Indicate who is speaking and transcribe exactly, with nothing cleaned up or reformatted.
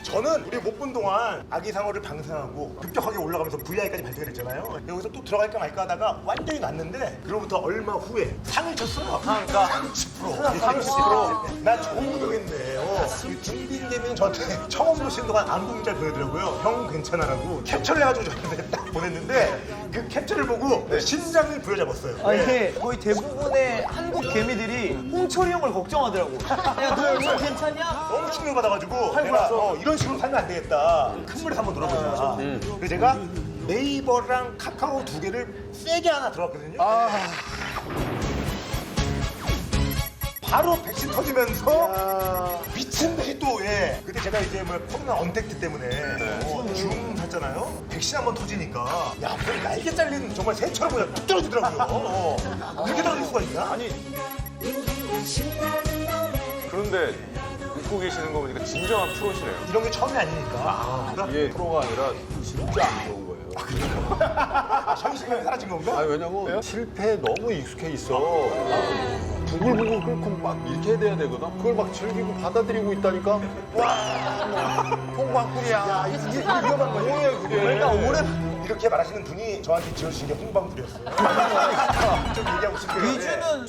Speaker 1: 저는 우리 못 본 동안 아기상어를 방생하고 급격하게 올라가면서 브이아이까지 발전을 했잖아요. 여기서 또 들어갈까 말까 하다가 완전히 났는데 그로부터 얼마 후에 상을 쳤어요. 상가 삼십 퍼센트. 삼십 퍼센트. 나 좋은 구독했네. 어. 중빈 대비는 저한테 처음 보시는 동안 안부 문자를 보내더라고요. 형 괜찮아라고 캡처를 해가지고 저한테 딱 보냈는데 그 캡처를 보고 심장을 부여잡았어요.
Speaker 2: 아니
Speaker 1: 네.
Speaker 2: 거의 대부분의 한국 개미들이 홍철이 형을 걱정하더라고. 야, 너 형 괜찮냐?
Speaker 1: 너무 충격받아가지고 내가 어, 이런 식으로 살면 안 되겠다. 큰 물에서 한번 놀아보자. 그래서 제가 네이버랑 카카오 두 개를 세게 하나 들어갔거든요. 바로 백신 터지면서 미친 듯이 또 예. 그때 제가 이제 뭐 코로나 언택트 때문에 어, 줌 샀잖아요. 백신 한번 터지니까 야, 그냥 날개 잘린 정말 새처럼 그냥 뚝 떨어지더라고요. 어. 그렇게 떨어질 수가 있나? 아니
Speaker 3: 그런데 웃고 계시는 거 보니까 진정한 프로시네요.
Speaker 1: 이런 게 처음이 아니니까. 아,
Speaker 4: 이게 프로가 아니라 진짜 안 좋은 거예요.
Speaker 1: 아, 현실감이 사라진 건가?
Speaker 4: 아니 왜냐면 실패에 너무 익숙해 있어. 부글부글 끓고 막 이렇게 돼야 되거든. 그걸 막 즐기고 받아들이고 있다니까. 와, 홍방꿀이야. 이게 위험한 거지. 뭐예요 그게?
Speaker 1: 그러니까 올해 이렇게 말하시는 분이 저한테 지어주신 게 홍방불이었어요. 좀 얘기하고 싶어요.
Speaker 2: 위주는